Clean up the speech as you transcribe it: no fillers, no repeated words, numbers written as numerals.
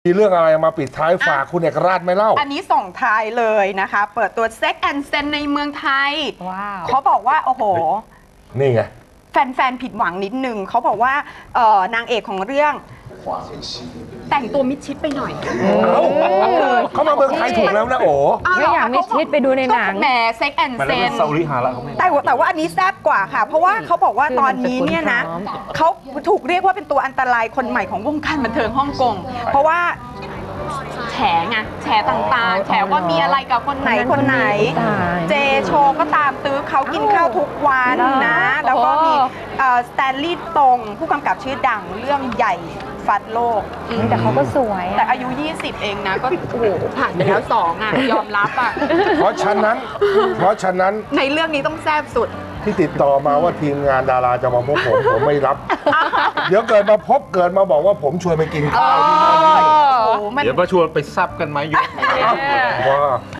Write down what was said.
มีเรื่องอะไรมาปิดท้ายฝากคุณเอกราชไหมเล่าอันนี้ส่งท้ายเลยนะคะ เปิดตัว Sex and Sense ในเมืองไทยว้าวเขาบอกว่าโอ้โหนี่ไงแฟนๆผิดหวังนิดนึงเขาบอกว่านางเอกของเรื่องแต่งตัวมิดชิดไปหน่อยเขามาเมืองไทยถูกแล้วนะโอ้ไม่อยากมิดชิดไปดูในหนังแหม Sex and Sense ซาอุริฮาระเขาไม่แต่ว่าอันนี้แซ่บกว่าค่ะเพราะว่าเขาบอกว่าตอนนี้เนี่ยนะเขาถูกเรียกว่าเป็นตัวอันตรายคนใหม่ของวงการบันเทิงฮ่องกงเพราะว่าแฉไงแฉต่างๆแฉว่ามีอะไรกับคนไหนเจโชก็ตามตื้อเขากินข้าวทุกวันนะแล้วก็มีสแตนลีย์ตรงผู้กำกับชื่อดังเรื่องใหญ่ฟัดโลกแต่เขาก็สวยแต่อายุ20เองนะก็โอ้โหผ่านไปแล้ว2อ่ะยอมรับอ่ะเพราะฉะนั้นในเรื่องนี้ต้องแซ่บสุดที่ติดต่อมาว่าทีมงานดาราจะมาพบผมไม่รับเดี๋ยวเกิดมาบอกว่าผมชวนไปกินข้าวที่นั่นเดี๋ยวมาชวนไปซับกันไหมยุคว่า